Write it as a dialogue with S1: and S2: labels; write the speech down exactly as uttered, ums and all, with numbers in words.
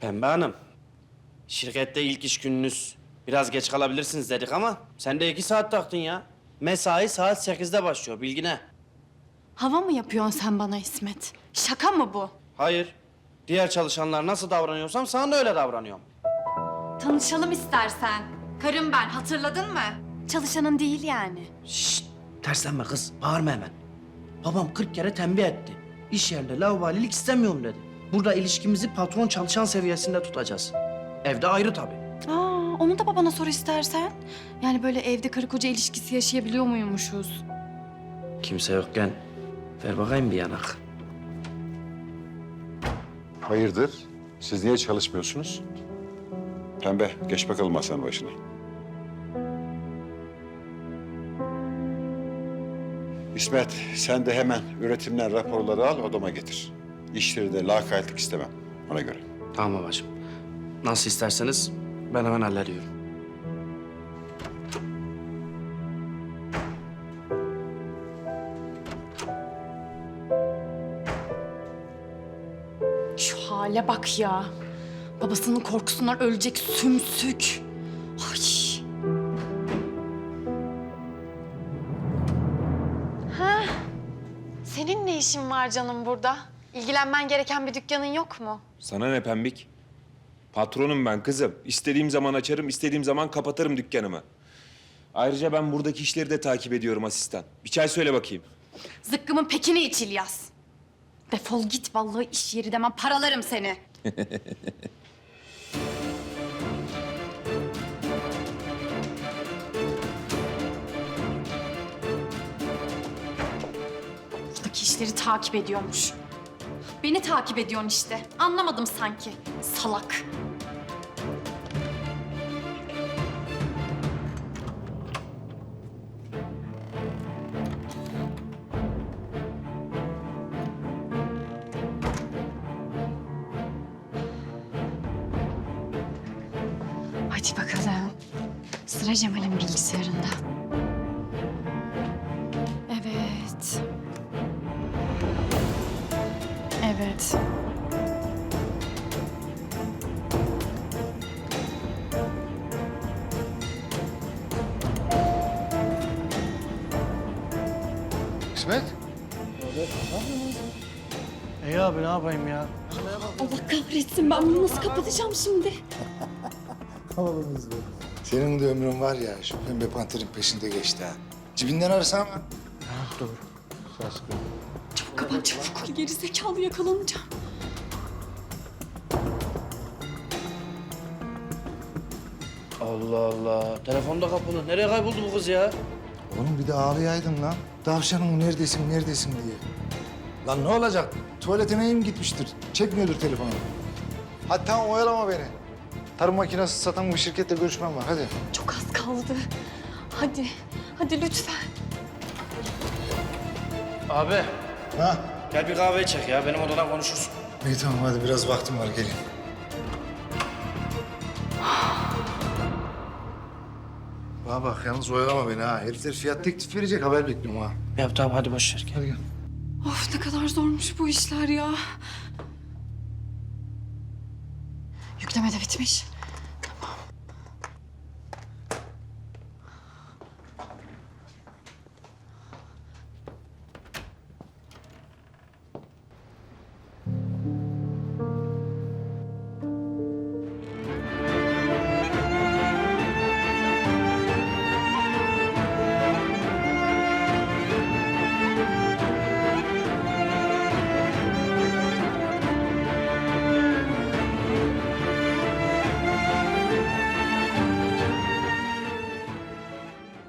S1: Pembe Hanım, şirkette ilk iş gününüz. Biraz geç kalabilirsiniz dedik ama sen de iki saat taktın ya. Mesai saat sekizde başlıyor, bilgine.
S2: Hava mı yapıyorsun sen bana İsmet? Şaka mı bu?
S1: Hayır, diğer çalışanlar nasıl davranıyorsam sana da öyle davranıyorum.
S2: Tanışalım istersen. Karım ben, hatırladın mı? Çalışanın değil yani.
S1: Şşt, terslenme kız, bağırma hemen. Babam kırk kere tembih etti. İş yerinde laubalilik istemiyorum dedi. Burada ilişkimizi patron çalışan seviyesinde tutacağız. Evde ayrı tabii.
S2: Aa, onu da babana sor istersen. Yani böyle evde karı koca ilişkisi yaşayabiliyor muymuşuz?
S1: Kimse yokken ver bakayım bir yanak.
S3: Hayırdır? Siz niye çalışmıyorsunuz? Pembe, geç bakalım masanın başına. İsmet, sen de hemen üretimden raporları al, odama getir. İşleri de lakaytlık istemem, ona göre.
S1: Tamam babacığım. Nasıl isterseniz ben hemen hallediyorum.
S2: Şu hale bak ya. Babasının korkusundan ölecek sümsük. Ay. Ha? Senin ne işin var canım burada? İlgilenmen gereken bir dükkanın yok mu?
S4: Sana ne pembik? Patronum ben kızım. İstediğim zaman açarım, istediğim zaman kapatırım dükkanımı. Ayrıca ben buradaki işleri de takip ediyorum asistan. Bir çay söyle bakayım.
S2: Zıkkımın pekini iç İlyas. Defol git vallahi iş yeri demem paralarım seni. Buradaki işleri takip ediyormuş. Beni takip ediyorsun işte. Anlamadım sanki. Salak. Hadi bakalım. Sıra Cemal'in bilgisayarında. Evet. Evet.
S3: İsmet?
S5: İyi abi ne yapayım ya?
S2: Allah kahretsin ben bunu nasıl kapatacağım şimdi?
S6: Oğlumuz bu. Senin de ömrün var ya, şu pembe panterin peşinde geçti ha. Cibinden arasana.
S5: Ha, dur. Ses
S2: Çabuk kapat çabuk. Geri zekalı yakalanacağım.
S1: Allah Allah. Telefonda kapalı. Nereye kayboldu bu kız ya?
S6: Oğlum bir de ağlayaydın lan. Tavşanım neredesin, neredesin diye. Lan ne olacak? Tuvaletine mi gitmiştir? Çekmiyordur telefonu. Hadi tamam oyalama beni. Tarım makinesi satan bir şirketle görüşmem var, hadi.
S2: Çok az kaldı. Hadi. Hadi lütfen.
S1: Abi,
S6: Ha?
S1: gel bir kahve çek ya. Benim odada konuşursun.
S6: İyi tamam hadi biraz vaktim var, gelin. Bana bak yalnız oyalama beni ha. Herifler fiyat teklif verecek, haber bekliyorum ha.
S1: Ya tamam hadi boş ver. Gel.
S6: Hadi gel.
S2: Of ne kadar zormuş bu işler ya. Yükleme de bitmiş.